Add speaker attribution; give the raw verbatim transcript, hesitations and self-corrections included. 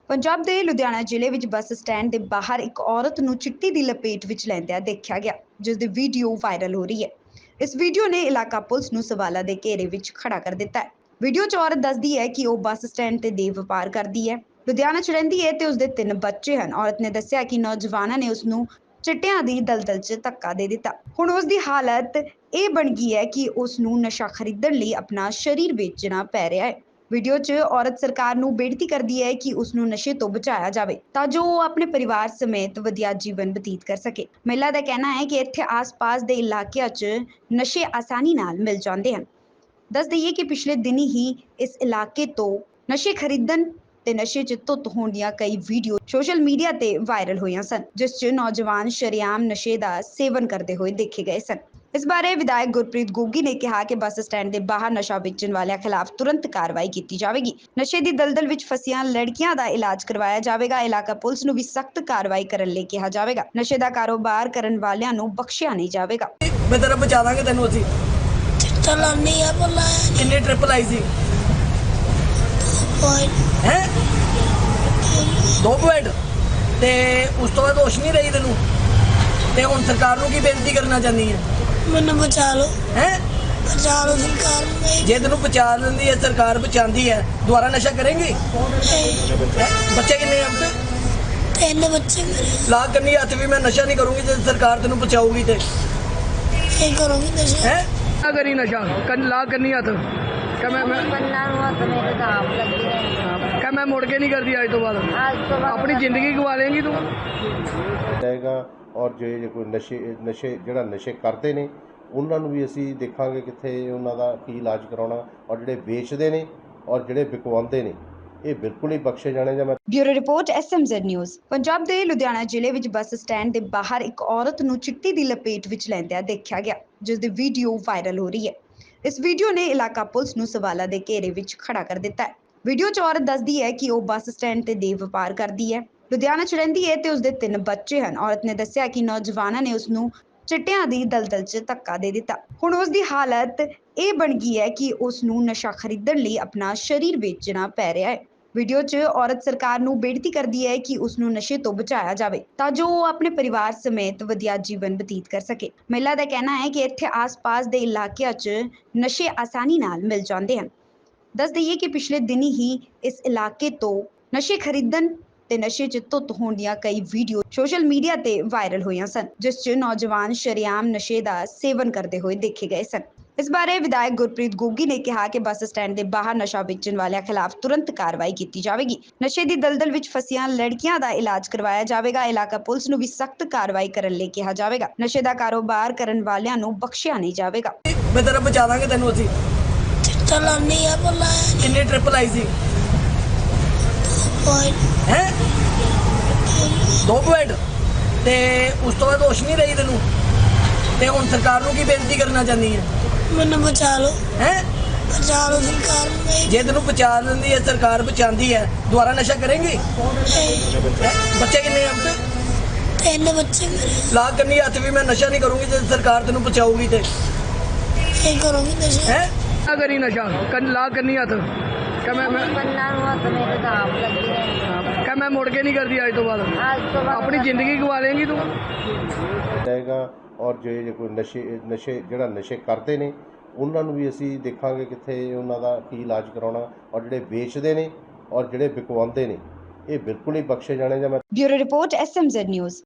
Speaker 1: ਪੰਜਾਬ ਦੇ ਲੁਧਿਆਣਾ ਜ਼ਿਲ੍ਹੇ ਵਿੱਚ ਬੱਸ ਸਟੈਂਡ ਦੇ ਬਾਹਰ ਇੱਕ ਔਰਤ ਨੂੰ ਚਿੱਟੀ ਦੀ ਲਪੇਟ ਵਿੱਚ ਲੈਂਦਿਆਂ ਦੇਖਿਆ ਗਿਆ, ਜਿਸ ਦੀ ਵੀਡੀਓ ਵਾਇਰਲ ਹੋ ਰਹੀ ਹੈ। ਇਸ ਵੀਡੀਓ ਨੇ ਇਲਾਕਾ ਪੁਲਿਸ ਨੂੰ ਸਵਾਲਾਂ ਦੇ ਘੇਰੇ ਵਿੱਚ ਖੜਾ ਕਰ ਦਿੱਤਾ ਹੈ। ਵੀਡੀਓ 'ਚ ਔਰਤ ਦੱਸਦੀ ਹੈ ਕਿ ਉਹ ਬੱਸ ਸਟੈਂਡ ਤੇ ਦੇਹ ਵਪਾਰ ਕਰਦੀ ਹੈ, ਲੁਧਿਆਣਾ 'ਚ ਰਹਿੰਦੀ ਹੈ ਤੇ ਉਸਦੇ ਤਿੰਨ ਬੱਚੇ ਹਨ। ਔਰਤ ਨੇ ਦੱਸਿਆ ਕਿ ਨੌਜਵਾਨਾਂ ਨੇ ਉਸ ਨੂੰ ਚਿੱਟਿਆਂ ਦੀ ਦਲਦਲ 'ਚ ਧੱਕਾ ਦੇ ਦਿੱਤਾ। ਹੁਣ ਉਸ ਦੀ ਹਾਲਤ ਇਹ ਬਣ ਗਈ ਹੈ ਕਿ ਉਸ ਨੂੰ ਨਸ਼ਾ ਖਰੀਦਣ ਲਈ ਆਪਣਾ ਸਰੀਰ ਵੇਚਣਾ ਪੈ ਰਿਹਾ ਹੈ। ਵੀਡੀਓ 'ਚ ਔਰਤ ਸਰਕਾਰ ਨੂੰ ਬੇਨਤੀ ਕਰਦੀ ਹੈ ਕਿ ਉਸ ਨੂੰ ਨਸ਼ੇ ਤੋਂ ਬਚਾਇਆ ਜਾਵੇ ਤਾਂ ਜੋ ਉਹ ਆਪਣੇ ਪਰਿਵਾਰ ਸਮੇਤ ਵਧੀਆ ਜੀਵਨ ਬਤੀਤ ਕਰ ਸਕੇ। ਮਹਿਲਾ ਦਾ ਕਹਿਣਾ ਹੈ ਕਿ ਇੱਥੇ ਆਸ-ਪਾਸ ਦੇ ਇਲਾਕਿਆਂ 'ਚ ਨਸ਼ੇ ਆਸਾਨੀ ਨਾਲ ਮਿਲ ਜਾਂਦੇ ਹਨ। ਦੱਸ ਦਈਏ ਕਿ ਪਿਛਲੇ ਦਿਨੀ ਹੀ ਇਸ ਇਲਾਕੇ ਤੋਂ ਨਸ਼ੇ ਖਰੀਦਣ ਤੇ ਨਸ਼ੇ 'ਚ ਧੁੱਤ ਹੋਣ ਦੀਆਂ ਕਈ ਵੀਡੀਓ ਸੋਸ਼ਲ ਮੀਡੀਆ ਤੇ ਵਾਇਰਲ ਹੋਈਆਂ ਸਨ, ਜਿਸ 'ਚ ਨੌਜਵਾਨ ਸ਼ਰੇਆਮ ਨਸ਼ੇ ਦਾ ਸੇਵਨ ਕਰਦੇ ਹੋਏ ਦੇਖੇ ਗਏ ਸਨ। ਇਸ ਬਾਰੇ ਵਿਧਾਇਕ ਗੁਰਪ੍ਰੀਤ ਗੋਗੀ ਨੇ ਕਿਹਾ ਕਿ ਬੱਸ ਸਟੈਂਡ ਦੇ ਬਾਹਰ ਨਸ਼ਾ ਵੇਚਣ ਵਾਲਿਆਂ ਖਿਲਾਫ ਤੁਰੰਤ ਕਾਰਵਾਈ ਕੀਤੀ ਜਾਵੇਗੀ। ਨਸ਼ੇ ਦੀ ਦਲਦਲ ਵਿੱਚ ਫਸੀਆਂ ਲੜਕੀਆਂ ਦਾ ਇਲਾਜ ਕਰਵਾਇਆ ਜਾਵੇਗਾ। ਇਲਾਕਾ ਪੁਲਿਸ ਨੂੰ ਵੀ ਸਖਤ ਕਾਰਵਾਈ ਕਰਨ ਲਈ ਕਿਹਾ ਜਾਵੇਗਾ। ਨਸ਼ੇ ਦਾ ਕਾਰੋਬਾਰ ਕਰਨ ਵਾਲਿਆਂ ਨੂੰ ਬਖਸ਼ਿਆ ਨਹੀਂ ਜਾਵੇਗਾ।
Speaker 2: ਮੈਂ ਤੇਰਾ ਬਚਾ ਦਾਂਗੇ ਤੈਨੂੰ ਅਸੀਂ।
Speaker 3: ਚਿੱਟਾ ਲਾਉਣੀ ਆ ਬੋਲਾ
Speaker 2: ਕਿੰਨੇ ਟ੍ਰਿਪ ਲਾਈ ਸੀ? ਹੈ ਦੋ ਪੁਆਇੰਟ ਤੇ ਉਸ ਤੋਂ ਬਾਅਦ ਹੋਸ਼ ਨਹੀਂ ਰਹੀ ਤੈਨੂੰ? ਤੇ ਹੁਣ ਸਰਕਾਰ ਨੂੰ ਕੀ ਬੇਨਤੀ ਕਰਨਾ ਚਾਹੁੰਦੀ ਹੈ?
Speaker 3: ਮੈਨੂੰ ਬਚਾ ਲਓ,
Speaker 2: ਹੈ
Speaker 3: ਬਚਾ ਲਓ ਸਰਕਾਰ ਨੂੰ।
Speaker 2: ਜੇ ਤੈਨੂੰ ਬਚਾ ਲੈਂਦੀ ਹੈ, ਸਰਕਾਰ ਬਚਾਉਂਦੀ ਹੈ, ਦੁਬਾਰਾ ਨਸ਼ਾ ਕਰੇਂਗੀ? ਬੱਚੇ ਕਿੰਨੇ ਆ?
Speaker 3: ਤਿੰਨ ਬੱਚੇ ਮੇਰੇ।
Speaker 2: ਲਾ ਕੰਨੀ ਹੱਥ ਵੀ ਮੈਂ ਨਸ਼ਾ ਨਹੀਂ ਕਰੂੰਗੀ ਜੇ ਸਰਕਾਰ ਤੈਨੂੰ ਬਚਾਊਗੀ ਤੇ।
Speaker 3: ਕੀ ਕਰੋਗੇ ਨਸ਼ਾ?
Speaker 2: ਹੈ ਨਾ ਕਰੀ ਨਸ਼ਾ, ਕੰਨ ਲਾ ਕੰਨੀ ਹੱਥ ਕਹ ਮੈਂ ਮੈਂ
Speaker 4: ਕੰਨਾਂ ਨੂੰ ਹੱਥ ਮੇਰੇ ਦਾਬ ਲੱਗੇ ਨੇ।
Speaker 2: ਕਹ ਮੈਂ ਮੁੜ ਕੇ ਨਹੀਂ ਕਰਦੀ ਅੱਜ ਤੋਂ ਬਾਅਦ।
Speaker 4: ਅੱਜ ਤੋਂ ਬਾਅਦ
Speaker 2: ਆਪਣੀ ਜ਼ਿੰਦਗੀ ਗਵਾ ਲੇਂਗੀ ਤੂੰ।
Speaker 5: ਜਾਏਗਾ ਔਰ ਜੇ ਜੇ ਕੋਈ ਨਸ਼ੇ ਨਸ਼ੇ ਜਿਹੜਾ ਨਸ਼ੇ ਕਰਦੇ ਨੇ ਉਹਨਾਂ ਨੂੰ ਵੀ ਅਸੀਂ ਦੇਖਾਂਗੇ ਕਿੱਥੇ ਉਹਨਾਂ ਦਾ ਕੀ ਇਲਾਜ ਕਰਾਉਣਾ, ਔਰ ਜਿਹੜੇ ਵੇਚਦੇ ਨੇ ਔਰ ਜਿਹੜੇ ਵਿਕਵਾਉਂਦੇ ਨੇ ਇਹ ਬਿਲਕੁਲ ਹੀ ਬਖਸ਼ੇ ਜਾਣੇ ਜਾਂ ਮੈਂ
Speaker 1: bureau report S M Z news. Punjab ਦੇ ਲੁਧਿਆਣਾ ਜ਼ਿਲ੍ਹੇ ਵਿੱਚ ਬੱਸ ਸਟੈਂਡ ਦੇ ਬਾਹਰ ਇੱਕ ਔਰਤ ਨੂੰ ਚਿੱਟੀ ਦੀ ਲਪੇਟ ਵਿੱਚ ਲੈਂਦਿਆਂ ਦੇਖਿਆ ਗਿਆ, ਜਿਸ ਦੀ ਵੀਡੀਓ ਵਾਇਰਲ ਹੋ ਰਹੀ ਹੈ। ਇਸ ਵੀਡੀਓ ਨੇ ਇਲਾਕਾ ਪੁਲਿਸ ਨੂੰ ਸਵਾਲਾਂ ਦੇ ਘੇਰੇ ਵਿੱਚ ਖੜਾ ਕਰ ਦਿੱਤਾ ਹੈ। ਵੀਡੀਓ 'ਚ ਔਰਤ ਦੱਸਦੀ ਹੈ ਕਿ ਉਹ ਬੱਸ ਸਟੈਂਡ ਤੇ ਦੇਹ ਵਪਾਰ ਕਰਦੀ ਹੈ, ਲੁਧਿਆਣਾ 'ਚ ਰਹਿੰਦੀ ਹੈ ਤੇ ਉਸਦੇ ਤਿੰਨ ਬੱਚੇ ਹਨ। ਔਰਤ ਨੇ ਦੱਸਿਆ ਕਿ ਨੌਜਵਾਨਾਂ ਨੇ ਉਸ ਨੂੰ ਚਿੱਟਿਆਂ ਦੀ ਦਲਦਲ 'ਚ ਧੱਕਾ ਦੇ ਦਿੱਤਾ। ਹੁਣ ਉਸ ਦੀ ਹਾਲਤ ਇਹ ਬਣ ਗਈ ਹੈ ਕਿ ਉਸ ਨੂੰ ਨਸ਼ਾ ਖਰੀਦਣ ਲਈ ਆਪਣਾ ਸਰੀਰ ਵੇਚਣਾ ਪੈ ਰਿਹਾ ਹੈ। ਵੀਡੀਓ 'ਚ ਔਰਤ ਸਰਕਾਰ ਨੂੰ ਬੇਨਤੀ ਕਰਦੀ ਹੈ ਕਿ ਉਸ ਨੂੰ ਨਸ਼ੇ ਤੋਂ ਬਚਾਇਆ ਜਾਵੇ ਤਾਂ ਜੋ ਉਹ ਆਪਣੇ ਪਰਿਵਾਰ ਸਮੇਤ ਵਧੀਆ ਜੀਵਨ ਬਤੀਤ ਕਰ ਸਕੇ। ਮਹਿਲਾ ਦਾ ਕਹਿਣਾ ਹੈ ਕਿ ਇੱਥੇ ਆਸ-ਪਾਸ ਦੇ ਇਲਾਕਿਆਂ 'ਚ ਨਸ਼ੇ ਆਸਾਨੀ ਨਾਲ ਮਿਲ ਜਾਂਦੇ ਹਨ। ਦੱਸ ਦਈਏ ਕਿ ਪਿਛਲੇ ਦਿਨੀ ਹੀ ਇਸ ਇਲਾਕੇ ਤੋਂ ਨਸ਼ੇ ਖਰੀਦਣ ਤੇ ਨਸ਼ੇ 'ਚ ਧੁੱਤ ਹੋਣ ਦੀਆਂ ਕਈ ਵੀਡੀਓ ਸੋਸ਼ਲ ਮੀਡੀਆ ਤੇ ਵਾਇਰਲ ਹੋਈਆਂ ਸਨ, ਜਿਸ 'ਚ ਨੌਜਵਾਨ ਸ਼ਰੇਆਮ ਨਸ਼ੇ ਦਾ ਸੇਵਨ ਕਰਦੇ ਹੋਏ ਦੇਖੇ ਗਏ ਸਨ। ਇਸ ਬਾਰੇ ਵਿਧਾਇਕ ਗੁਰਪ੍ਰੀਤ ਗੋਗੀ ਨੇ ਕਿਹਾ ਕਿ ਬੱਸ ਸਟੈਂਡ ਦੇ ਬਾਹਰ ਨਸ਼ਾ ਵੇਚਣ ਵਾਲਿਆਂ ਖਿਲਾਫ ਤੁਰੰਤ ਕਾਰਵਾਈ ਕੀਤੀ ਜਾਵੇਗੀ। ਨਸ਼ੇ ਦੀ ਦਲਦਲ ਵਿੱਚ ਫਸੀਆਂ ਲੜਕੀਆਂ ਦਾ ਇਲਾਜ ਕਰਵਾਇਆ ਜਾਵੇਗਾ। ਇਲਾਕਾ ਪੁਲਿਸ ਨੂੰ ਵੀ ਸਖਤ ਕਾਰਵਾਈ ਕਰਨ ਲਈ ਕਿਹਾ ਜਾਵੇਗਾ। ਨਸ਼ੇ ਦਾ ਕਾਰੋਬਾਰ ਕਰਨ ਵਾਲਿਆਂ ਨੂੰ ਬਖਸ਼ਿਆ ਨਹੀਂ ਜਾਵੇਗਾ।
Speaker 2: ਮੈਂ ਤੇਰਾ ਬਚਾ ਦਾਂਗੇ ਤੈਨੂੰ ਅਸੀਂ।
Speaker 3: ਚਿੱਟਾ ਲਾਉਣੀ ਆ ਬੋਲਾ
Speaker 2: ਕਿੰਨੇ ਟ੍ਰਿਪ ਲਾਈ ਸੀ? ਹੈ ਦੋ ਪੁਆਇੰਟ ਤੇ ਉਸ ਤੋਂ ਬਾਅਦ ਹੋਸ਼ ਨਹੀਂ ਰਹੀ ਤੈਨੂੰ? ਤੇ ਹੁਣ ਸਰਕਾਰ ਨੂੰ ਕੀ ਬੇਨਤੀ ਕਰਨਾ ਚਾਹੁੰਦੀ ਹੈ?
Speaker 3: ਮੈਨੂੰ ਬਚਾ ਲਓ,
Speaker 2: ਹੈ
Speaker 3: ਬਚਾ ਲਓ ਸਰਕਾਰ ਨੂੰ।
Speaker 2: ਜੇ ਤੈਨੂੰ ਬਚਾ ਲੈਂਦੀ ਹੈ, ਸਰਕਾਰ ਬਚਾਉਂਦੀ ਹੈ, ਦੁਬਾਰਾ ਨਸ਼ਾ ਕਰੇਂਗੀ? ਬੱਚੇ ਕਿੰਨੇ ਆ?
Speaker 3: ਤਿੰਨ ਬੱਚੇ ਮੇਰੇ।
Speaker 2: ਲਾ ਕੰਨੀ ਹੱਥ ਵੀ ਮੈਂ ਨਸ਼ਾ ਨਹੀਂ ਕਰੂੰਗੀ ਜੇ ਸਰਕਾਰ ਤੈਨੂੰ ਬਚਾਊਗੀ ਤੇ।
Speaker 3: ਕੀ ਕਰੋਗੇ ਨਸ਼ਾ?
Speaker 2: ਹੈ ਨਾ ਕਰੀ ਨਸ਼ਾ, ਕੰਨ ਲਾ ਕੰਨੀ ਹੱਥ ਕਹ ਮੈਂ ਮੈਂ
Speaker 4: ਕੰਨਾਂ ਨੂੰ ਹੱਥ ਮੇਰੇ ਦਾਬ ਲੱਗੇ ਨੇ।
Speaker 2: ਕਹ ਮੈਂ ਮੁੜ ਕੇ ਨਹੀਂ ਕਰਦੀ ਅੱਜ ਤੋਂ ਬਾਅਦ।
Speaker 4: ਅੱਜ ਤੋਂ ਬਾਅਦ
Speaker 2: ਆਪਣੀ ਜ਼ਿੰਦਗੀ ਗਵਾ ਲੇਂਗੀ ਤੂੰ।
Speaker 5: ਜਾਏਗਾ ਔਰ ਜੇ ਜੇ ਕੋਈ ਨਸ਼ੇ ਨਸ਼ੇ ਜਿਹੜਾ ਨਸ਼ੇ ਕਰਦੇ ਨੇ ਉਹਨਾਂ ਨੂੰ ਵੀ ਅਸੀਂ ਦੇਖਾਂਗੇ ਕਿੱਥੇ ਉਹਨਾਂ ਦਾ ਕੀ ਇਲਾਜ ਕਰਾਉਣਾ, ਔਰ ਜਿਹੜੇ ਵੇਚਦੇ ਨੇ ਔਰ ਜਿਹੜੇ ਵਿਕਵਾਉਂਦੇ ਨੇ ਇਹ ਬਿਲਕੁਲ ਹੀ ਬਖਸ਼ੇ ਜਾਣੇ ਜਾਂ ਮੈਂ
Speaker 1: bureau report S M Z news.